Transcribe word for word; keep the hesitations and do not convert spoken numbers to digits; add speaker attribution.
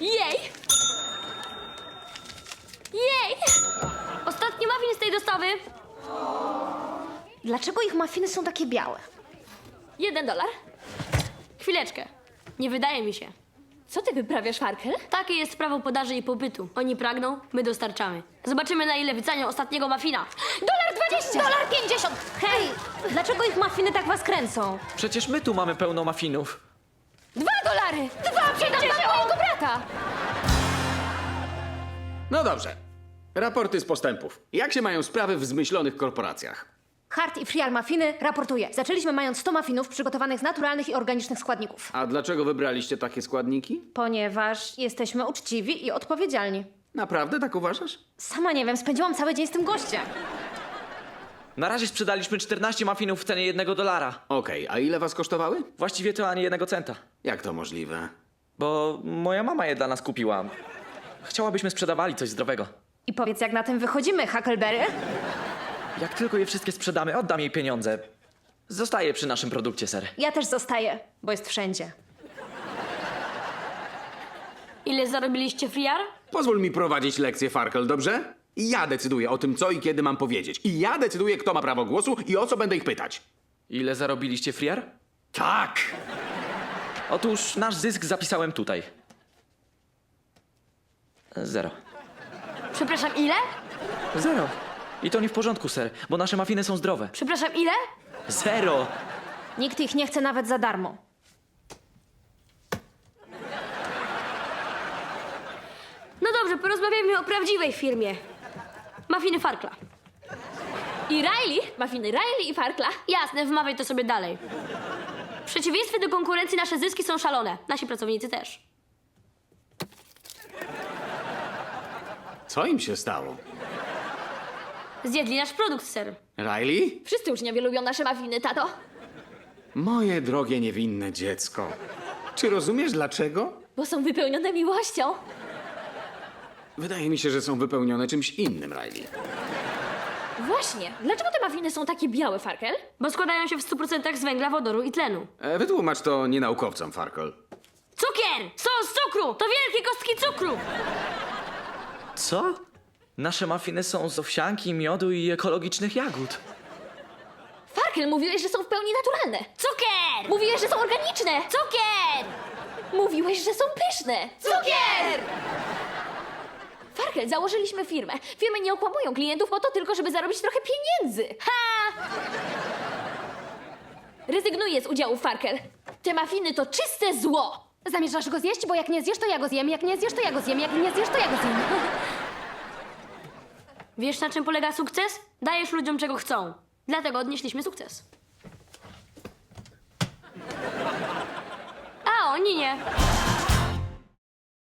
Speaker 1: Jej! Jej! Ostatni muffin z tej dostawy.
Speaker 2: Dlaczego ich mafiny są takie białe?
Speaker 1: Jeden dolar. Chwileczkę. Nie wydaje mi się. Co ty wyprawiasz, Farkel? Takie jest prawo podaży i popytu. Oni pragną, my dostarczamy. Zobaczymy, na ile wycenią ostatniego muffina.
Speaker 2: Dolar dwadzieścia! Dolar pięćdziesiąt! Hej! Dlaczego ich mafiny tak was kręcą?
Speaker 3: Przecież my tu mamy pełno muffinów.
Speaker 1: Dwa dolary! Dwa pięćdziesiąt! Dla mojego brata!
Speaker 4: No dobrze. Raporty z postępów. Jak się mają sprawy w zmyślonych korporacjach?
Speaker 2: Hart i Friar Muffiny raportuje. Zaczęliśmy mając sto muffinów przygotowanych z naturalnych i organicznych składników.
Speaker 4: A dlaczego wybraliście takie składniki?
Speaker 2: Ponieważ jesteśmy uczciwi i odpowiedzialni.
Speaker 4: Naprawdę tak uważasz?
Speaker 2: Sama nie wiem, spędziłam cały dzień z tym gościem.
Speaker 3: Na razie sprzedaliśmy czternaście muffinów w cenie jednego dolara.
Speaker 4: Okej, a ile was kosztowały?
Speaker 3: Właściwie to ani jednego centa.
Speaker 4: Jak to możliwe?
Speaker 3: Bo moja mama je dla nas kupiła. Chciałabyśmy sprzedawali coś zdrowego.
Speaker 2: I powiedz, jak na tym wychodzimy, Huckleberry?
Speaker 3: Jak tylko je wszystkie sprzedamy, oddam jej pieniądze. Zostaje przy naszym produkcie, ser.
Speaker 2: Ja też zostaję, bo jest wszędzie.
Speaker 1: Ile zarobiliście, Friar?
Speaker 4: Pozwól mi prowadzić lekcję, Farkel, dobrze? I ja decyduję o tym, co i kiedy mam powiedzieć. I ja decyduję, kto ma prawo głosu i o co będę ich pytać.
Speaker 3: Ile zarobiliście, Friar?
Speaker 4: Tak!
Speaker 3: Otóż nasz zysk zapisałem tutaj. Zero.
Speaker 1: Przepraszam, ile?
Speaker 3: Zero. I to nie w porządku, ser, bo nasze muffiny są zdrowe.
Speaker 1: Przepraszam, ile?
Speaker 3: Zero!
Speaker 2: Nikt ich nie chce nawet za darmo.
Speaker 1: No dobrze, porozmawiajmy o prawdziwej firmie. Muffiny Farkla. I Riley? Muffiny Riley i Farkla? Jasne, wmawiaj to sobie dalej. W przeciwieństwie do konkurencji nasze zyski są szalone. Nasi pracownicy też.
Speaker 4: Co im się stało?
Speaker 1: Zjedli nasz produkt, ser.
Speaker 4: Riley?
Speaker 1: Wszyscy uczniowie lubią nasze muffiny, tato.
Speaker 4: Moje drogie, niewinne dziecko. Czy rozumiesz dlaczego?
Speaker 1: Bo są wypełnione miłością.
Speaker 4: Wydaje mi się, że są wypełnione czymś innym, Riley.
Speaker 1: Właśnie. Dlaczego te muffiny są takie białe, Farkel? Bo składają się w stu procentach z węgla, wodoru i tlenu.
Speaker 4: E, wytłumacz to nienaukowcom, Farkel.
Speaker 1: Cukier! Są z cukru! To wielkie kostki cukru!
Speaker 3: Co? Nasze muffiny są z owsianki, miodu i ekologicznych jagód.
Speaker 1: Farkel, mówiłeś, że są w pełni naturalne. Cukier! Mówiłeś, że są organiczne. Cukier! Mówiłeś, że są pyszne. Cukier! Farkel, założyliśmy firmę. Firmy nie okłamują klientów po to tylko, żeby zarobić trochę pieniędzy. Ha! Rezygnuję z udziału, Farkel. Te muffiny to czyste zło.
Speaker 2: Zamierzasz go zjeść? Bo jak nie zjesz, to ja go zjem. Jak nie zjesz, to ja go zjem. Jak nie zjesz, to ja go zjem.
Speaker 1: Wiesz, na czym polega sukces? Dajesz ludziom, czego chcą. Dlatego odnieśliśmy sukces. A, oni nie.